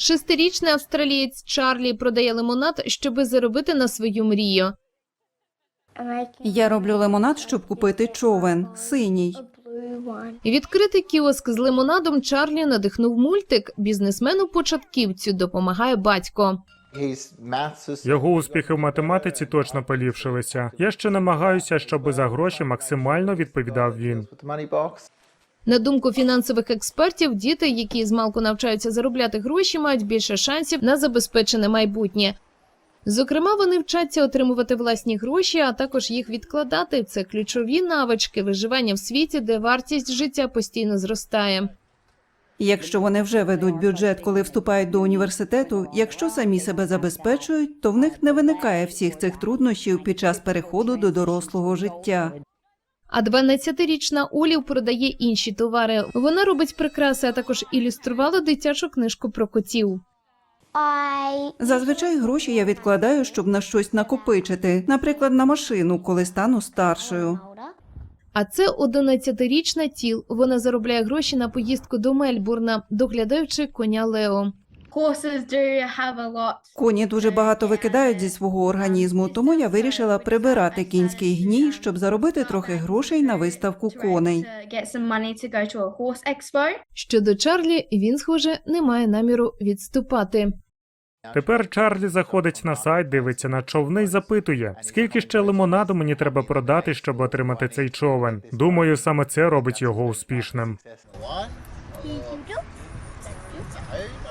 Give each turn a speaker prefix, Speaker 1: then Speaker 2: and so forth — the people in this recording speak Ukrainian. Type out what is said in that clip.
Speaker 1: 6-річний австралієць Чарлі продає лимонад, щоби заробити на свою мрію.
Speaker 2: Я роблю лимонад, щоб купити човен – синій.
Speaker 1: Відкрити кіоск з лимонадом Чарлі надихнув мультик. Бізнесмену-початківцю допомагає батько.
Speaker 3: Його успіхи в математиці точно поліпшилися. Я ще намагаюся, щоб за гроші максимально відповідав він.
Speaker 1: На думку фінансових експертів, діти, які змалку навчаються заробляти гроші, мають більше шансів на забезпечене майбутнє. Зокрема, вони вчаться отримувати власні гроші, а також їх відкладати. Це ключові навички виживання в світі, де вартість життя постійно зростає.
Speaker 2: Якщо вони вже ведуть бюджет, коли вступають до університету, якщо самі себе забезпечують, то в них не виникає всіх цих труднощів під час переходу до дорослого життя.
Speaker 1: А 12-річна Олів продає інші товари. Вона робить прикраси, а також ілюструвала дитячу книжку про котів.
Speaker 2: Зазвичай гроші я відкладаю, щоб на щось накопичити, наприклад, на машину, коли стану старшою.
Speaker 1: А це 11-річна Тіл. Вона заробляє гроші на поїздку до Мельбурна, доглядаючи коня Лео.
Speaker 2: Коні дуже багато викидають зі свого організму, тому я вирішила прибирати кінський гній, щоб заробити трохи грошей на виставку коней.
Speaker 1: Щодо Чарлі, він, схоже, не має наміру відступати.
Speaker 3: Тепер Чарлі заходить на сайт, дивиться на човни і запитує, скільки ще лимонаду мені треба продати, щоб отримати цей човен. Думаю, саме це робить його успішним.